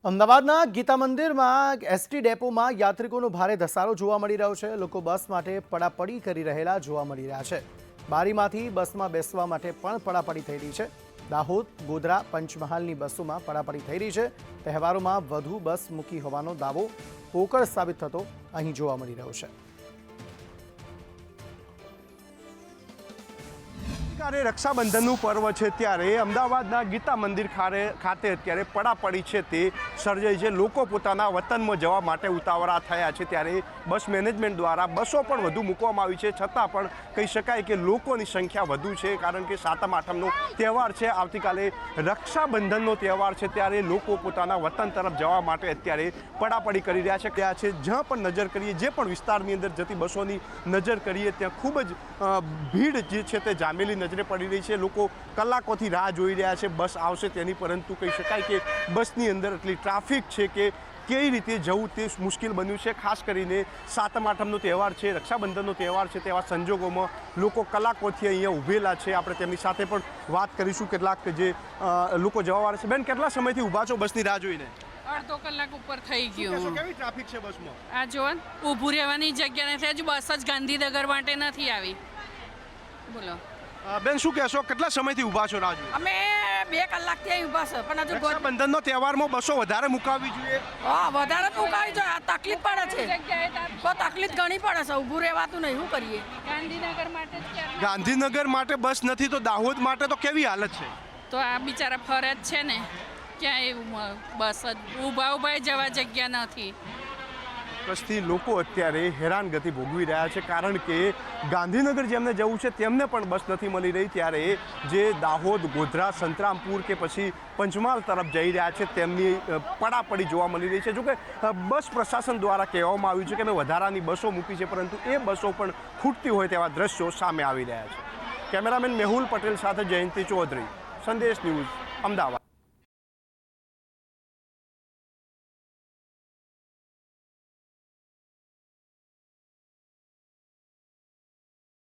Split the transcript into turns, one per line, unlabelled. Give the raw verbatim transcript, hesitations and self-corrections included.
અમદાવાદના ગીતા મંદિરમાં એસટી ડેપોમાં યાત્રિકોનો ભારે ધસારો જોવા મળી રહ્યો છે। લોકો બસ માટે પડાપડી કરી રહેલા જોવા મળી રહ્યા છે। બારીમાંથી બસમાં બેસવા માટે પણ પડાપડી થઈ રહી છે। દાહોદ, ગોધરા, પંચમહાલની બસોમાં પડાપડી થઈ રહી છે। તહેવારોમાં વધુ બસ મૂકી હોવાનો દાવો પોકળ સાબિત થતો અહીં જોવા મળી રહ્યો છે।
ત્યારે રક્ષાબંધનનું પર્વ છે ત્યારે અમદાવાદના ગીતા મંદિર ખાતે અત્યારે પડાપડી છે તે સર્જાઈ છે। લોકો પોતાના વતનમાં જવા માટે ઉતાવળા થયા છે ત્યારે બસ મેનેજમેન્ટ દ્વારા બસો પણ વધુ મૂકવામાં આવી છે, છતાં પણ કહી શકાય કે લોકોની સંખ્યા વધુ છે, કારણ કે સાતમ આઠમનો તહેવાર છે, આવતીકાલે રક્ષાબંધનનો તહેવાર છે ત્યારે લોકો પોતાના વતન તરફ જવા માટે અત્યારે પડાપડી કરી રહ્યા છે ત્યાં છે જ્યાં પણ નજર કરીએ, જે પણ વિસ્તારની અંદર જતી બસોની નજર કરીએ ત્યાં ખૂબ જ ભીડ જે છે તે જામેલી નજરે પડી રહી છે। લોકો કલાકોથી રાહ જોઈ રહ્યા છે બસ આવશે તેની, પરંતુ કહી શકાય કે બસની અંદર એટલી ટ્રાફિક છે કે કઈ રીતે જવું તે મુશ્કેલ બન્યું છે। ખાસ કરીને સાતમ આઠમનો તહેવાર છે, રક્ષાબંધનનો તહેવાર છે, તેવા સંજોગોમાં લોકો કલાકોથી અહીંયા ઊભેલા છે। આપણે તેમની સાથે પણ વાત કરીશું, કેટલાક જે લોકો જવાવાળા છે। બેન, કેટલા સમયથી ઊભા છો બસની રાહ જોઈને?
અડધો કલાક ઉપર થઈ ગયું।
કેવી ટ્રાફિક છે બસમાં?
આ જો ઊભું રહેવાની જગ્યા નથી, હજુ બસ જ ગાંધીનગર માટે નથી આવી। બોલો
બેન, શું કહેશો, કેટલા સમયથી ઊભા છો રાહ જોઈને?
અમે બે કલાકથી અહીં ઊભા છે, પણ હજુ
રક્ષાબંધનનો તહેવારમાં બસો વધારે મુકાવવી જોઈએ।
હા, વધારે જ મુકાવી જોઈએ, તકલીફ પડે છે, તો તકલીફ ઘણી પડે છે, ઊભું રહેવાતું નહીં, શું કરીએ?
ગાંધીનગર માટે જ
ગાંધીનગર માટે બસ નથી તો દાહોદ માટે તો કેવી હાલત છે?
તો આ બિચારા ફરજ છે ને, ક્યાં એવું બસ જ ઊભા ઊભા જવા જગ્યા નથી।
બસથી લોકો અત્યારે હેરાનગતિ ભોગવી રહ્યા છે, કારણ કે ગાંધીનગર જેમને જવું છે તેમને પણ બસ નથી મળી રહી, ત્યારે જે દાહોદ, ગોધરા, સંતરામપુર કે પછી પંચમહાલ તરફ જઈ રહ્યા છે તેમની પડાપડી જોવા મળી રહી છે। જોકે બસ પ્રશાસન દ્વારા કહેવામાં આવ્યું છે કે અમે વધારાની બસો મૂકી છે, પરંતુ એ બસો પણ ખૂટતી હોય તેવા દ્રશ્યો સામે આવી રહ્યા છે। કેમેરામેન મેહુલ પટેલ સાથે જયંતિ ચૌધરી, સંદેશ ન્યૂઝ, અમદાવાદ।